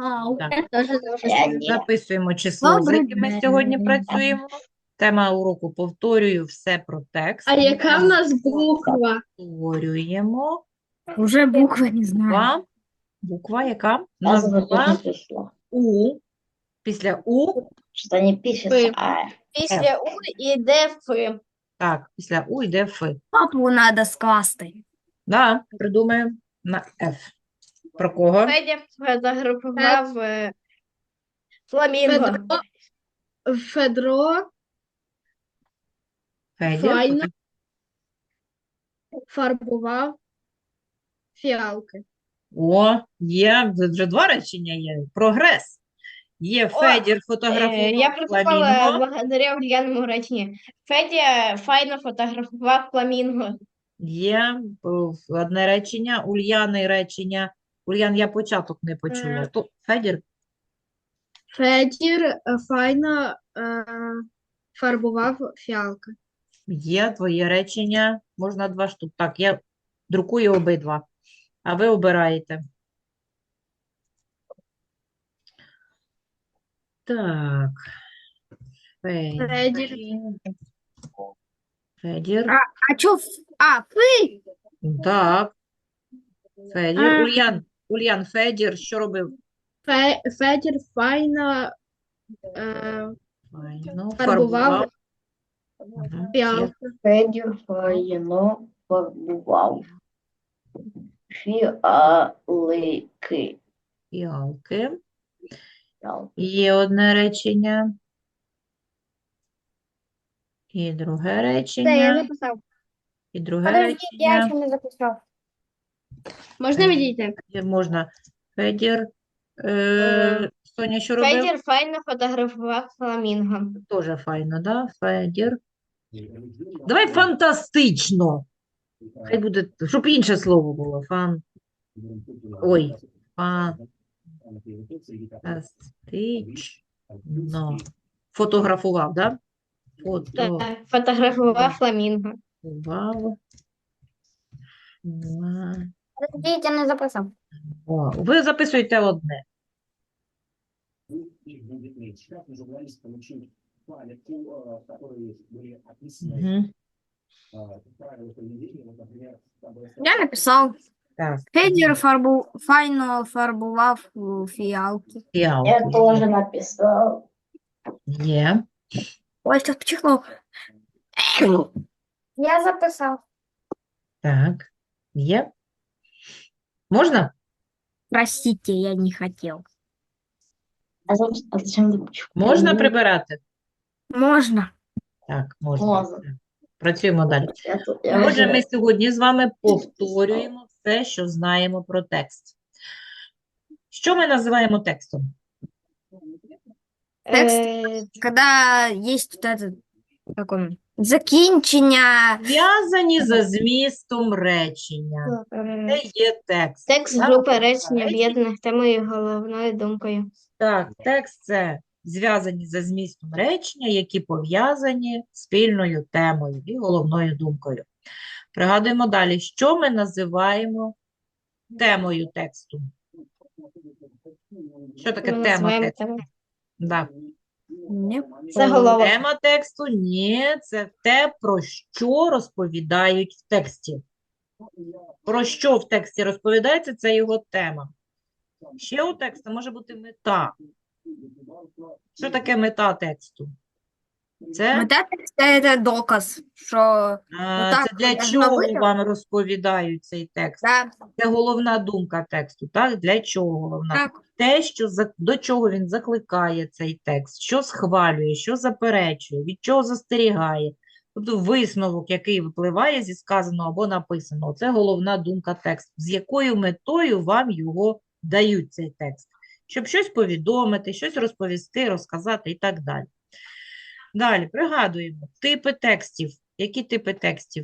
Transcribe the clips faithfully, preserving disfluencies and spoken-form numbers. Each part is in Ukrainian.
Ага, Так, я тоже записала. Я не. записуємо число, з Добрий яким ми день. сьогодні працюємо. Тема уроку повторюю все про текст. А яка в нас буква? Повторюємо. Уже буквы не знаю. Буква. Буква яка? У Я нас забыла була число. У. Після У. Что не пишется, а Після У іде Ф. Так, після У йде Ф. Папу надо скласти. Да, придумаємо на Ф. Про кого? Федя фотографував е, фламінго. Федро, Федро Федір. Файна. фарбував фіалки. О, є, вже два речення є. Прогрес. Є Федір Е, фотографував Я прочитала фламінго. благодаря Ульяному реченню. Федя файно фотографував фламінго. Є о, одне речення, Ульяни речення. Ульян, я початок не почула. То Федір. Федір е, файно е, фарбував фіалки. Є твоє речення. Можна два штук. Так, я друкую обидва. А ви обираєте. Так. Федір. Федір. Федір. А чё? ф- А, фы? Так. Федір. А. Ульян. Ульян, Федір, що робив? Фе, Федір файно е, Файно, фарбував Мгм. фіалки. Федір файно фарбував фіалки. Фіалки. Фіалки. Є одне речення. І друге речення. записав. І друге Подожди, я речення. ще не записав. Можна відійти? Федір можна. Федір. Е, Соня, що робив? Федір файно фотографував фламінго. Тоже файно, да? Федір. Давай фантастично. Хай буде, щоб інше слово було. Фан. Ой. Фантастично. Фотографував, да? Фотографував. Так, фотографував фламінго. Подождіть, я не записав. О, ви записуєте одне. Мгм. Я написал. Так, Федір фарбу... файно фарбував е, фіалки. фіалки. Я тоже написал. Є. Ой, сейчас почихнул. Я записав. Так, є. Можна? Простите, я не хотел. А зачем, а зачем ручку? Можна прибирати? Можно. Так, можна. Можна. Все. Працюємо далі. Я тут- я Отже, вже- ми сьогодні з вами повторюємо все, що знаємо про текст. Що ми називаємо текстом? Текст? Е, Когда есть вот этот, как он, закінчення. Зв'язані за змістом речення. Це є текст. Текст Так? групи речень об'єднаних темою і головною думкою. Так, текст – це зв'язані за змістом речення, які пов'язані спільною темою і головною думкою. Пригадуємо далі, що ми називаємо темою тексту. Що таке Ми тема називаємо тексту? тему. Да. Не. Заголовок. Тема тексту – ні, це те, про що розповідають в тексті. Про що в тексті розповідається, це його тема. Ще у тексту може бути мета. Що таке мета тексту? Це, Мета текста – це доказ, що а, так це для должно чого бути. вам розповідають цей текст? да, Це головна думка тексту, так? Для чого головна? так, Те, що за- до чого він закликає цей текст, що схвалює, що заперечує, від чого застерігає. Тобто висновок, який випливає зі сказаного або написаного, це головна думка тексту. З якою метою вам його дають цей текст? Щоб щось повідомити, щось розповісти, розказати і так далі. Далі, пригадуємо, типи текстів. Які типи текстів?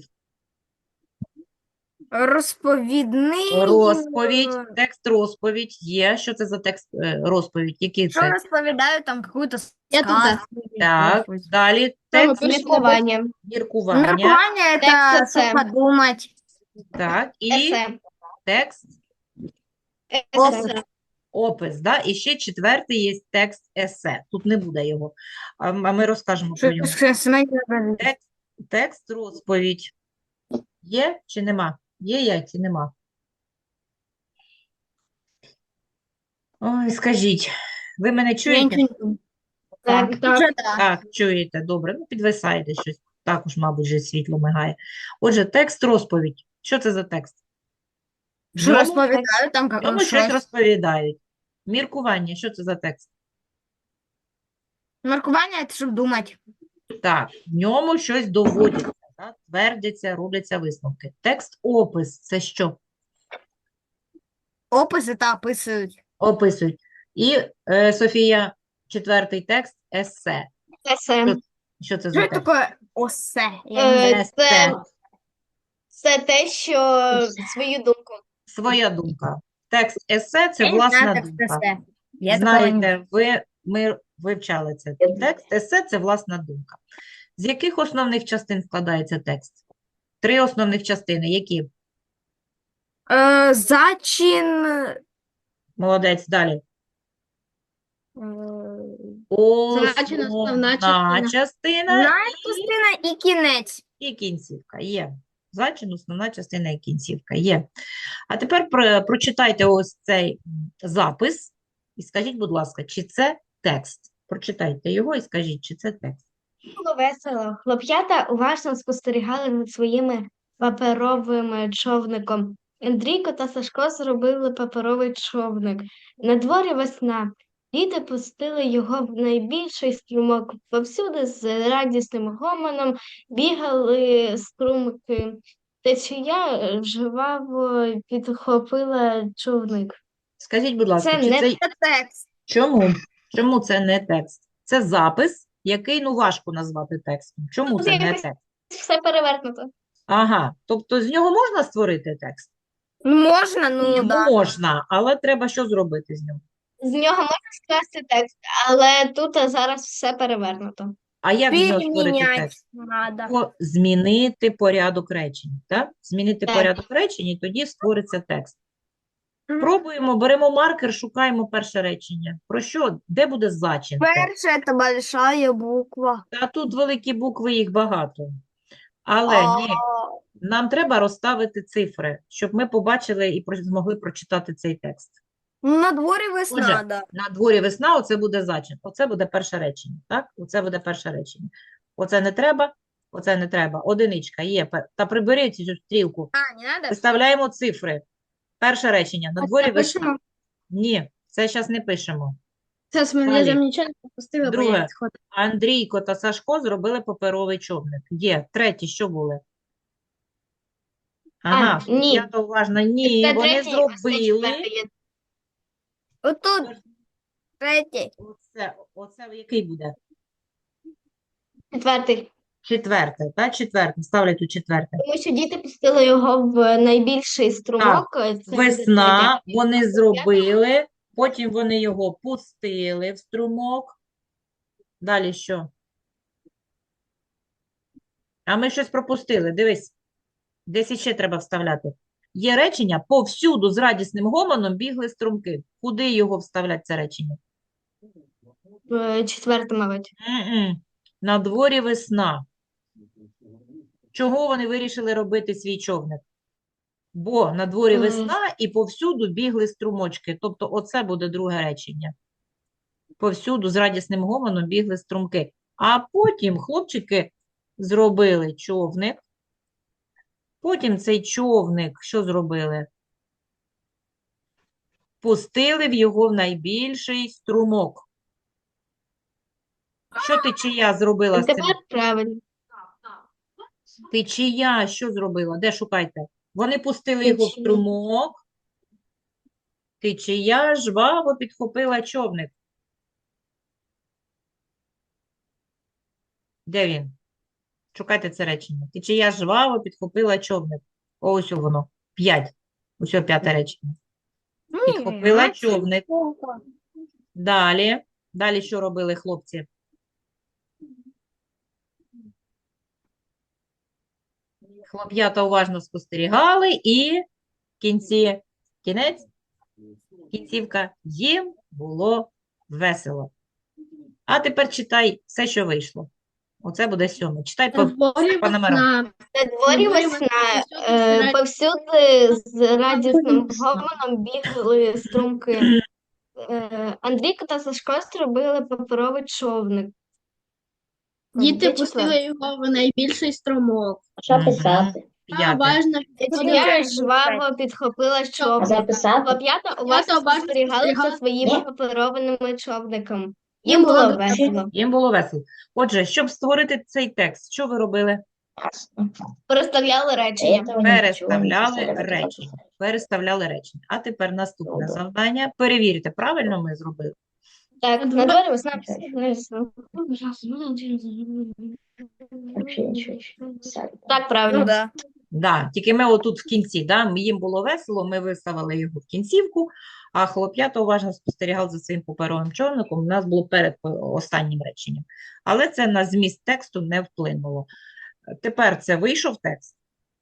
розповідний. Розповідь, е, текст розповідь є. Що це за текст е, розповідь? Який Що це? розповідають там какую-то Я тут сказку. Так, щось. далі текст Міркування. міркування. Міркування – це Текст це- що подумати. Так, і Есе. текст Есе. Опис. Опис, да? І ще четвертий є текст есе. Тут не буде його, а м- а ми розкажемо про нього. Що сімейка розповідь. Текст, текст розповідь. Є чи нема? Є я чи нема? Ой, скажіть, ви мене Я чуєте? нічого не думаю. Так, Так. Вже так. Так, чуєте, добре. Ну, підвисаєте щось. Також, мабуть, вже світло мигає. Отже, текст розповідь. Що це за текст? В Що ньому, розповідаю там, в як ньому щось розповідають. Міркування, що це за текст? Маркування – це щоб думати. Так, в ньому щось доводяться, так? Твердяться, робляться висновки. Текст-опис – це що? Описи та описують. Описують. І, е, Софія, четвертий текст – есе. це все. Що це Що за таке текст? осе? Я не знаю. Е, Есе. Це, це те, що свою думку. Своя думка. Текст есе – це Я не власна знаю, як думка. це все. Я такого не Знаєте, ви, ми вивчали це. Текст есе – це власна думка. З яких основних частин складається текст? Три основних частини. Які? Е, зачин. Молодець, далі. е, Зачин, основна Основна частина. частина Знаєш, частина і кінець. і кінцівка. Є. Зачин, основна частина і кінцівка. Є. А тепер про- прочитайте ось цей м, запис і скажіть, будь ласка, чи це текст? Прочитайте його і скажіть, чи це текст. Було весело. Хлоп'ята уважно спостерігали над своїми паперовим човником. Андрійко та Сашко зробили паперовий човник. На дворі весна. Діти пустили його в найбільший струмок. Повсюди з радісним гомоном бігали струмки. Течія жваво підхопила човник. Скажіть, будь ласка, Це чи не це Це текст. чому? Чому це не текст? Це запис, який, ну, важко назвати текстом. Чому Тут це не якось текст? все перевернуто. Ага, тобто з нього можна створити текст? Ну, можна, ну, да. Можна, але треба що зробити з ним? З нього можна скласти текст, але тут а, зараз все перевернуто. А як з нього створити Перемінять текст? надо. О, змінити порядок речень, так? Змінити Так. порядок речень, і тоді створиться текст. Мгм. Пробуємо, беремо маркер, шукаємо перше речення. Про що? Де буде зачин? Перше – це большая буква. Та тут великі букви, їх багато. Але ні, нам треба розставити цифри, щоб ми побачили і про- змогли прочитати цей текст. Ну, на дворі весна, Отже, да. на дворі весна, оце буде зачин. Оце буде перше речення, так? Оце буде перше речення. Оце не треба, оце не треба. Одиничка є. Пе- Та приберіть цю стрілку. А, не надо? Виставляємо цифри. Перше речення. На дворі Це весна. пишемо? Ні, це зараз не пишемо. Зараз мене Далі. я там нічого не пропустила, бо Друге. я відходила. Андрійко та Сашко зробили паперовий човник. Є. Треті, що були? Ага, А, ні. я то уважно. Ні, Це вони третій, ось це зробили. четвертий є. Отут третій. Оце, оце який буде? Четвертий. Четверте, так? Четверте. Ставлять тут четверте. Тому що діти пустили його в найбільший струмок. Це буде Весна, третя. вони зробили, потім вони його пустили в струмок. Далі що? А ми щось пропустили, дивись. Десь іще треба вставляти. Є речення, повсюду з радісним гомоном бігли струмки. Куди його вставляти, це речення? Е, Четверте, мабуть. М-м. На дворі весна. Чого вони вирішили робити свій човник? Бо на дворі Е. весна і повсюду бігли струмочки. Тобто оце буде друге речення. Повсюду з радісним гомоном бігли струмки. А потім хлопчики зробили човник. Потім цей човник що зробили? Пустили в його в найбільший струмок. Що течія зробила з цим? Тепер правильно. Течія що зробила? Де шукайте? Вони пустили його в Течія. струмок. Течія жваво підхопила човник. Де він? Шукайте це речення. Течія жваво підхопила човник. Ось воно. П'ять. Ось о п'яте речення. Підхопила човник. Далі. Далі що робили хлопці? Хлоп'ята уважно спостерігали і в кінці, кінець, Кінцівка їм було весело. А тепер читай все, що вийшло. Оце буде сьоме. Читай по, На дворі по номерам. весна. На дворі дворі весна, весна, е, повсюди з радісним весна. гомоном бігли струмки. Е, Андрійко та Сашко зробили паперовий човник. Діти Де пустили четверте? його в найбільший струмок. Що Мгм. писати? Я П'яте. уважно Тетяня жваво підхопила А човник. записати? Хлоп'ята уважно уважно спостерігали за спостерігали. своїми Ні. паперованими човниками. Їм Їм було було дуже весело. Їм було весело. Отже, щоб створити цей текст, що ви робили? Переставляли Я речення. этого ничего не Переставляли писала, это речення. просто. Переставляли речення. А тепер наступне Добре. завдання. Перевірте, правильно ми зробили? Так, На на дворі дворі весна. Вообще ничего не писали. Так, Ну правильно. да. Да, тільки ми отут в кінці, да, їм було весело, ми виставили його в кінцівку, а хлоп'ята уважно спостерігали за своїм паперовим човником, у нас було перед е, останнім реченням. Але це на зміст тексту не вплинуло. Тепер це вийшов текст?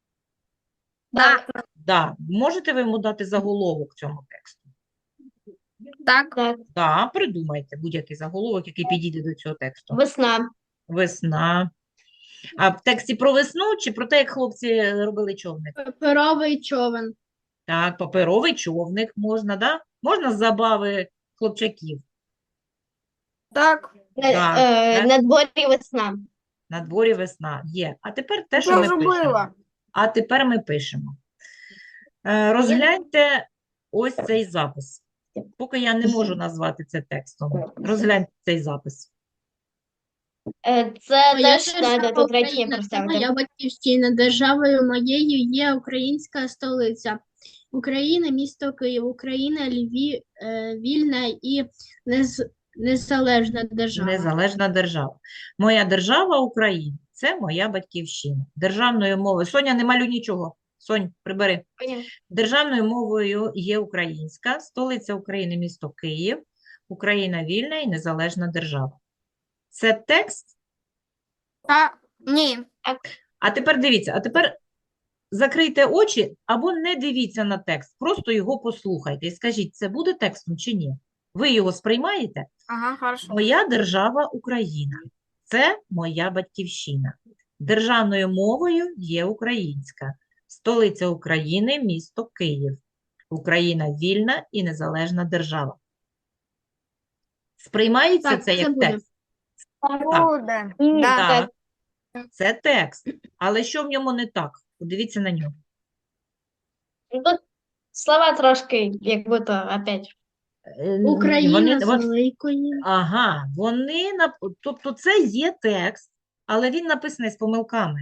Так. Да. Можете ви йому дати заголовок цьому тексту? Так. Так, Да, придумайте будь-який заголовок, який підійде до цього тексту. весна. Весна. А в тексті про весну чи про те, як хлопці робили човник? Паперовий човен. Так, паперовий човник можна, да? Можна з забави хлопчаків. Так. На, Так, е, так. на дворі весна. На дворі весна є. А тепер те, що Я ми вже пишемо. била. А тепер ми пишемо. Е, Розгляньте ось цей запис. Поки я не можу назвати це текстом. Розгляньте цей запис. Е, Це Моя теж треба держава тут речення Україна, це проставити. моя батьківщина. Державою моєю є українська столиця. Україна, місто Київ. Україна, Львів, е, вільна і нез, незалежна держава. Незалежна держава. Моя держава Україна. Це моя батьківщина. Державною мовою. Соня, не малюй нічого. Сонь, прибери. Державною мовою є українська, столиця України – місто Київ, Україна вільна і незалежна держава. Це текст? Так. Ні. А тепер дивіться, а тепер закрийте очі або не дивіться на текст, просто його послухайте і скажіть, це буде текстом чи ні? Ви його сприймаєте? Ага, хорошо. Моя держава Україна. Це моя батьківщина. Державною мовою є українська. Столиця України – місто Київ. Україна вільна і незалежна держава. Сприймається Так, це це як буде. текст? Буде. Ні, Да. Так, це текст. Але що в ньому не так? Подивіться на нього. Ну, Тут слова трошки, як будто опять. Е, ні, Україна вони- з вон- великої. Ага, вони, нап- тобто це є текст, але він написаний з помилками.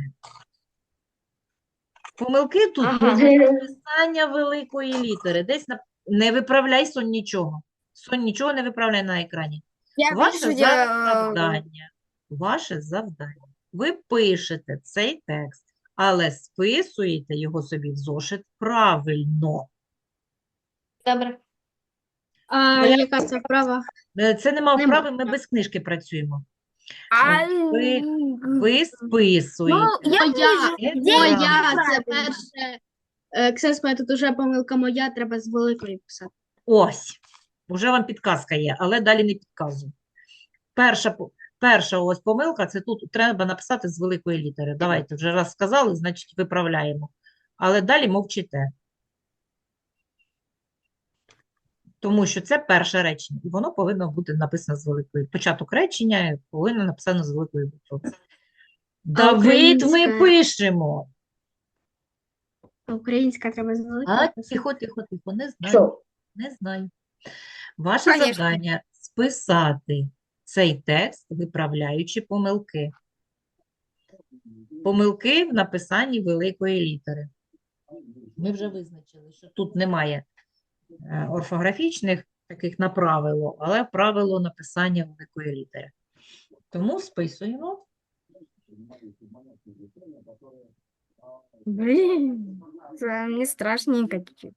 Помилки тут Ага. при написання великої літери. Десь на... Не виправляй, Сонь, нічого. Сонь, нічого не виправляй на екрані. Я Ваше вижу, я... завдання, ваше завдання. Ви пишете цей текст, але списуєте його собі в зошит правильно. Добре. А Оля- яка це вправа? Е, Це нема Нема. вправи, ми без книжки працюємо. А... Ви- Ви списуєте. Ну, я Моя, Це моя, правильно. це перше. Е, Ксенс, тут уже помилка моя, треба з великої писати. Ось, вже вам підказка є, але далі не підказую. Перша, по- перша ось помилка, це тут треба написати з великої літери. Давайте, вже раз сказали, значить виправляємо. Але далі мовчите. Тому що це перше речення, і воно повинно бути написано з великої. Початок речення повинно написано з великої букви. Давид, ми українська? пишемо. А Українська треба з великої А, писати. тихо, тихо, тихо, не знаю. Що? Не знаю. Ваше Конечно. завдання – списати цей текст, виправляючи помилки. Помилки в написанні великої літери. Ми вже визначили, що тут немає е, орфографічних таких на правило, але правило написання великої літери. Тому списуємо. Блін, це мені страшненько чуть-чуть.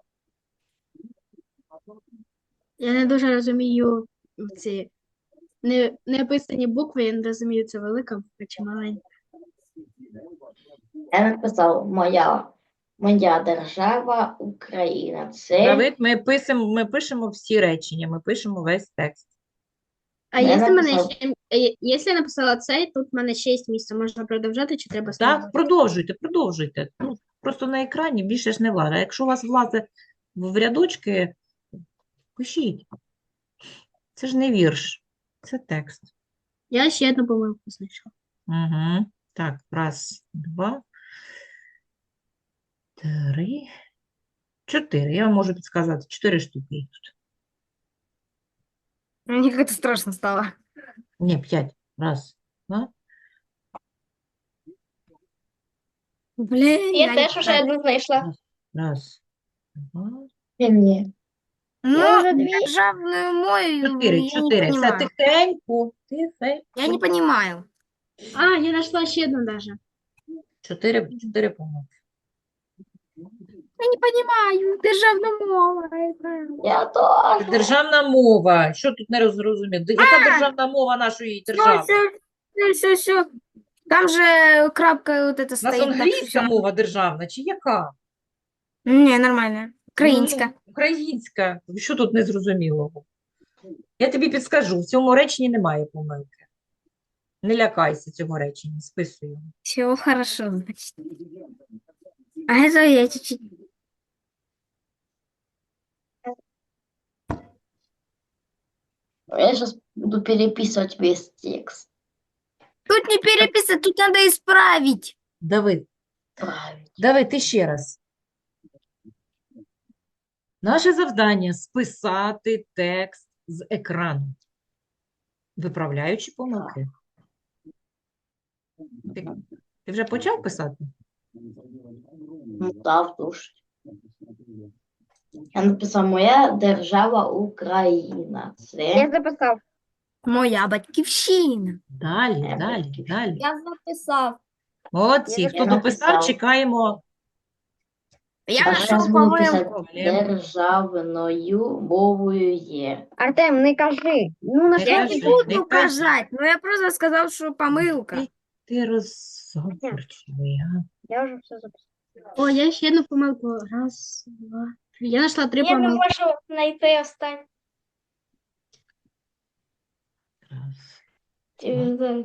Я не дуже розумію ці не, неписані букви, я не розумію, це велика буква чи маленька. Я написав моя Моя держава Україна. Це Давид, ми пишемо, ми пишемо всі речення, ми пишемо весь текст. А Я якщо мене написав. ще, е, якщо я написала цей, тут в мене шість місць, можна продовжати чи треба Так, знову? продовжуйте, продовжуйте. Ну, просто на екрані більше ж не влада. Якщо у вас влазить в рядочки, пишіть. Це ж не вірш, це текст. Я ще одну помилку знайшла. Угу. Так, раз, два, три, чотири. Я вам можу підсказати, чотири штуки їх тут. Мне как-то страшно стало. Ні, п'ять. Раз, два. Блин, Я я теж не уже знаю. одну знайшла. Раз, два. ні. Ну, Я уже две. державную мою Чотири, я не чотири. Все понимаю. тихенько, тихенько. Я не понимаю. А, я знайшла ще одну даже. Чотири, чотири помилки. Я не понимаю. Державная мова. Я Це теж. державна мова. Що тут не зрозумів? Яка державна мова нашої Все, держави? все, все, все. Там же крапка вот это У нас стоит. Так что англійська всё. мова державна, чи яка? Не, нормально. Українська. Ну, українська. Що тут незрозумілого? Я тобі підскажу, в цьому реченні немає помилки. Не лякайся цього речення, списуй його. Все хорошо, значит. А это я чуть-чуть. Я сейчас буду переписывать весь текст. Тут не переписать, тут надо исправить. Давид, Правильно. Давид, ти ще раз. Наше завдання – списати текст з екрану, виправляючи помилки. Ти, ти вже почав писати? Ну, да, в душ. Я написав моя держава Україна. Це записав. Моя батьківщина. Далі, Е, далі, батьківщина. далі. Я записав. Молодці. Я Хто написав. дописав, чекаємо. Я А нашел зараз буду писати помилку. державною мовою є. Артем, не кажи. Ну, на Не Я кажи, не буду не кажи. указать, но я просто сказал, что помылка. Ти розговорчивий, а? Я вже все записав. О, я ще одну помилку. Раз, два, три. Я знайшла три Я не помилки. можу знайти останню. Раз. Е,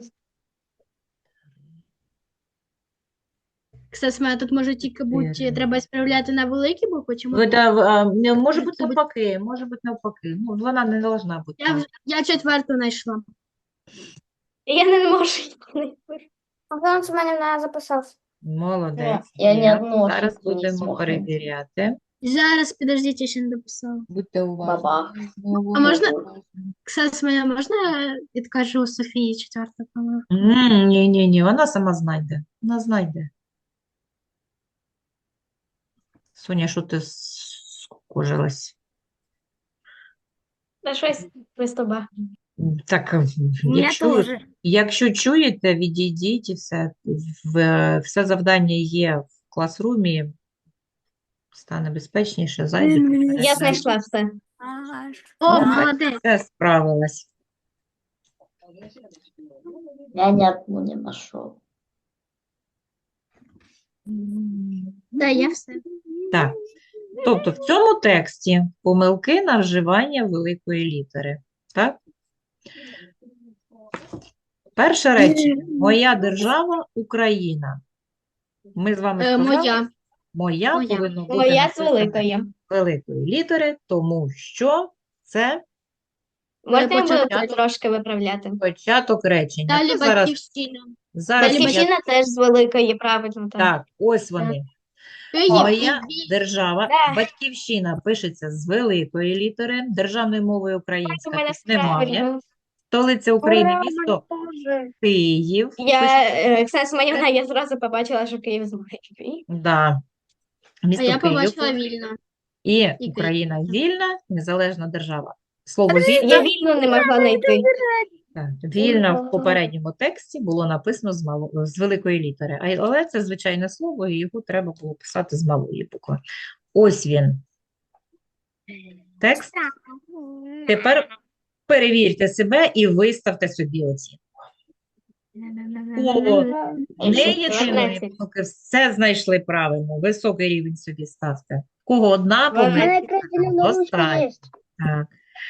Кстати, мене тут може тільки бути, Чотири. треба справляти на великі букви, чи Ви, можна? да, а, не, може бути Це буде- навпаки, може бути навпаки. Ну, вона не должна бути. Я, вже- я четверту знайшла. Я не можу її знайти. Антон Семенівна записав. Молодець. Я ні Є. одного Зараз ошибку не будемо змогла. перевіряти. Зараз, підождіть, я ще не дописала. Будьте уважні. Бабах. А можна, кстати, мене можна я відкажу Софії четверта помилка? М, Ні, ні, ні, вона сама знайде. Вона знайде. Соня, що ти скукожилась? Та щось без тебе. Так, Я якщо, тоже. якщо чуєте, відійдіть і все. В, все завдання є в класрумі. Стане безпечніше, зайдете. М, Я переглянете. знайшла все. О, Ну, молодець. Все справилась. Я ні одну не знайшов. Да, я все. Так. Тобто в цьому тексті помилки на вживання великої літери. Так? Перше речення. Моя держава Україна. Ми з вами Е, сказали, моя. моя Моя. повинно бути Моя з написано великої. великої літери, тому що це Можна я початок. буду трошки виправляти? початок речення. Далі То зараз, батьківщина. зараз далі я- Батьківщина теж з великої, правильно. Так. Так, ось вони. Київ Моя і Ві- держава, Да. батьківщина пишеться з великої літери, державною мовою У українська мене тут немає. правильно. Столиця України, місто Київ. Я, Пишеться- е, Оксана Семенівна, я зразу побачила, що Київ з великої. Да. А Місто я Київ побачила вільно. і Київ. Україна вільна, незалежна держава. Слово Я вільна, вільно не могла знайти. так, вільна в попередньому тексті було написано з, мало, з великої літери, А- але це звичайне слово, і його треба було писати з малої букви. Ось він. Текст. Тепер перевірте себе і виставте собі оцінку. О, І не ще єдиної дванадцять. помилки, все знайшли правильно. Високий рівень собі ставте. В кого одна Дванадцять. помилка, достатньо. Так.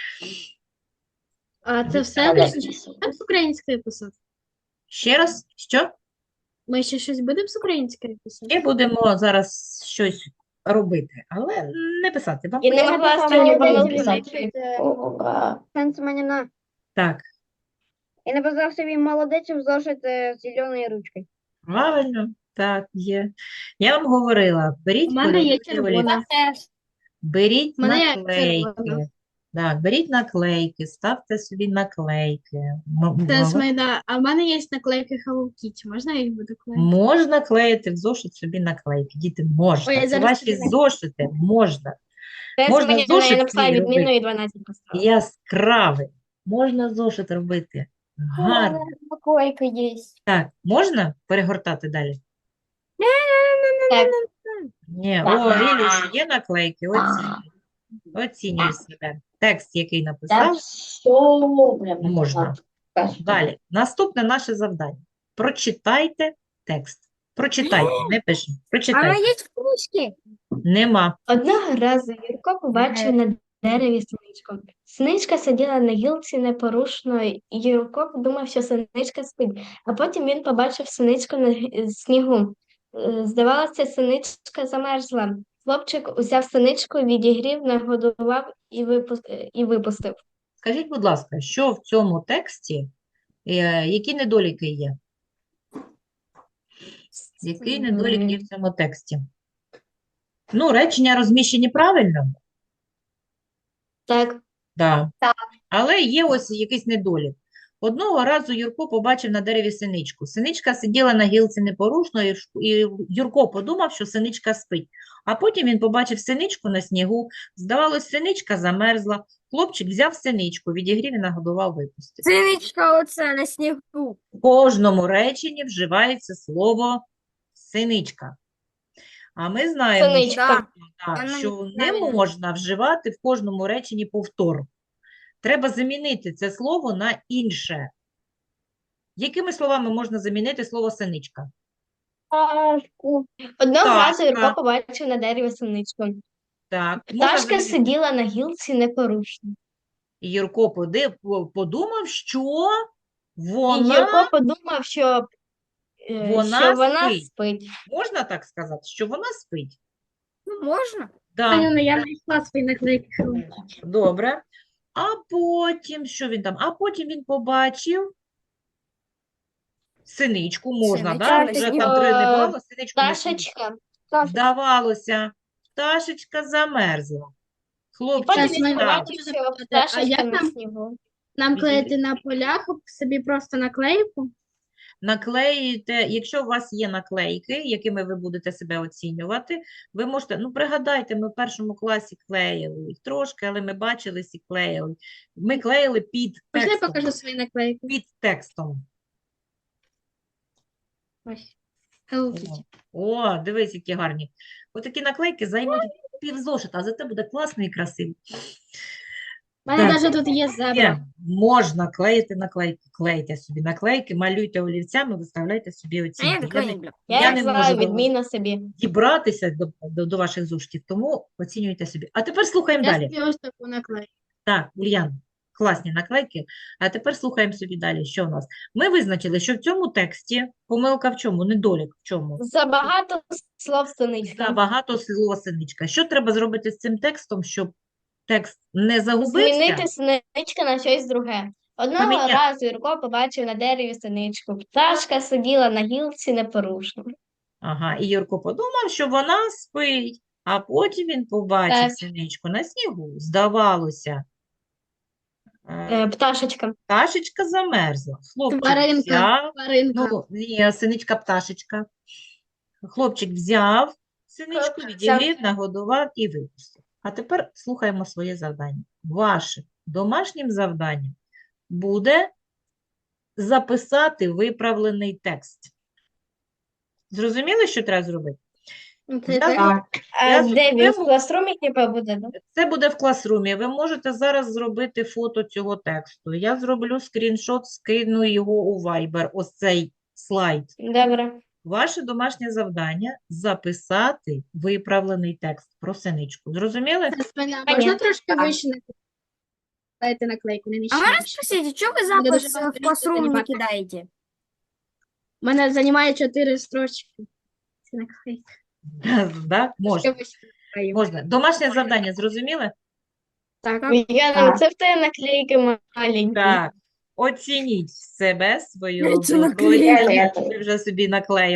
А це все Так. лише так з української писати? Ще раз, що? Ми ще щось будемо з української писати? Ще будемо зараз щось робити, але не писати. Вам І не потрібно- могла останню помилку писати. знайти. Ура. Сенсманіна. Так, І написав собі молодець в зошит з зеленою ручкою. правильно, так, є. Я вам говорила, беріть У мене є кольорові червона. олівці, беріть У мене є наклейки. червона. Так, беріть наклейки, ставте собі наклейки. М- Це м- смайда. А в мене є наклейки Hello Kitty. Можна я їх буду клеїти? Можна клеїти в зошит собі наклейки. Діти, можна. Ой, я Це зараз ваші тобі зошити, можна. Це Можна мені зошит я написала свій відмінно робити. і дванадцять поставила. Яскравий. Можна зошит робити. Гарно. Наклейка є. Так, можна перегортати далі? Так, Ні, Так. о, Ілюш, є наклейки, оцінюй. Оцінюй себе. Текст, який Та написав, все прям можна. так. Далі. Наступне наше завдання. Прочитайте текст. Прочитайте, не пишіть. А Прочитайте. є книжки. Нема. одного разу Юрко побачив на дереві синичку. Синичка сиділа на гілці непорушно, і Юрко подумав, що синичка спить. А потім він побачив синичку на г- снігу. Е, Здавалося, синичка замерзла. Хлопчик узяв синичку, відігрів, нагодував і випус- е, і випустив. Скажіть, будь ласка, що в цьому тексті, е, які недоліки є? Який недолік є в цьому тексті? Ну, речення розміщені правильно, Так, да. Але є ось якийсь недолік. Одного разу Юрко побачив на дереві синичку. Синичка сиділа на гілці непорушно, і ш- і Юрко подумав, що синичка спить. А потім він побачив синичку на снігу. Здавалось, синичка замерзла. Хлопчик взяв синичку, відігрів і нагодував, випустив. Синичка оце на снігу. В кожному реченні вживається слово синичка. А ми знаємо, що, синичка. так, Воно що не неправильно. можна вживати в кожному реченні повтор. Треба замінити це слово на інше. Якими словами можна замінити слово синичка? Пташку. Одного Пташка. разу Юрко побачив на дереві синичку. Так, можна Пташка замінити. сиділа на гілці непорушно. І Юрко поди- по- подумав, що І вона, Юрко подумав, що, е, Вона що вона спить. спить. можна так сказати, що вона спить. Ну, можна. Да. Аня, я знайшла свої наклейки Hello Kitty. Добре. А потім, що він там? А потім він побачив синичку, можна, Синичку да? на Вже снігу. там три не Е, було, синичку на снігу. Пташечка. Здавалося, пташечка замерзла. І Хлопчик потім Щас ми він встав. побачив, що А пташечка як на нам- снігу. Нам клеїти на полях собі просто наклейку? Наклеїте, якщо у вас є наклейки, якими ви будете себе оцінювати, ви можете, ну пригадайте, ми в першому класі клеїли їх трошки, але ми бачились і клеїли. Ми клеїли під Можна я текстом. покажу свої наклейки? Під текстом. Ось. Hello Kitty. О, дивись, які гарні. Отакі наклейки займуть півзошита, а зате буде класно і красиво. У мене Так. навіть тут є зебра. Є, можна клеїти наклейки. Клейте собі наклейки, малюйте олівцями, виставляйте собі А я оцінки. Я такої не не люблю. Я, Я не взяла можу відмінно собі. дібратися до, до, до ваших зошитів, тому оцінюйте собі. А тепер слухаємо Я далі. собі ось таку наклейку. Так, Ульяна, класні наклейки. А тепер слухаємо собі далі, що у нас. Ми визначили, що в цьому тексті помилка в чому, недолік в чому? Забагато слов синичка. Забагато слова синичка. Що треба зробити з цим текстом, щоб текст не загубився? Змінити синичка на щось друге. Одного Поміняти. разу Юрко побачив на дереві синичку. Пташка сиділа на гілці непорушно. Ага, і Юрко подумав, що вона спить, а потім він побачив Так. синичку на снігу. Здавалося, е, Е, пташечка. пташечка замерзла. Хлопчик Тваринка. взяв, Тваринка. ну, ні, синичка-пташечка. Хлопчик взяв синичку, Хлопчик взяв. відігрів, нагодував і випустив. А тепер слухаємо своє завдання. Вашим домашнім завданням буде записати виправлений текст. Зрозуміли, що треба зробити? Це Я так? Так. А Я де він в зробив- класрумі типа буде, да? Це буде в класрумі. Ви можете зараз зробити фото цього тексту. Я зроблю скріншот, скину його у Viber, ось цей слайд. Добре. Ваше домашнє завдання – записати виправлений текст про синичку. Зрозуміли? Це спина. Понятно. Можна трошки Так. вище наклеїти наклейку, не А нижче. можна вище. спросить, что вы Буду запас дуже в багато классрум не займати. кидаете? У мене займає чотири строчки. Це наклейка. Да? Можна. Трошки вище наклею. Можна. Домашнє завдання зрозуміли? Так. Яна, Так. це в тебе наклейки маленькі. Так. Оцініть себе, свою Це роботу. наклейки. Які ви вже собі наклеїли.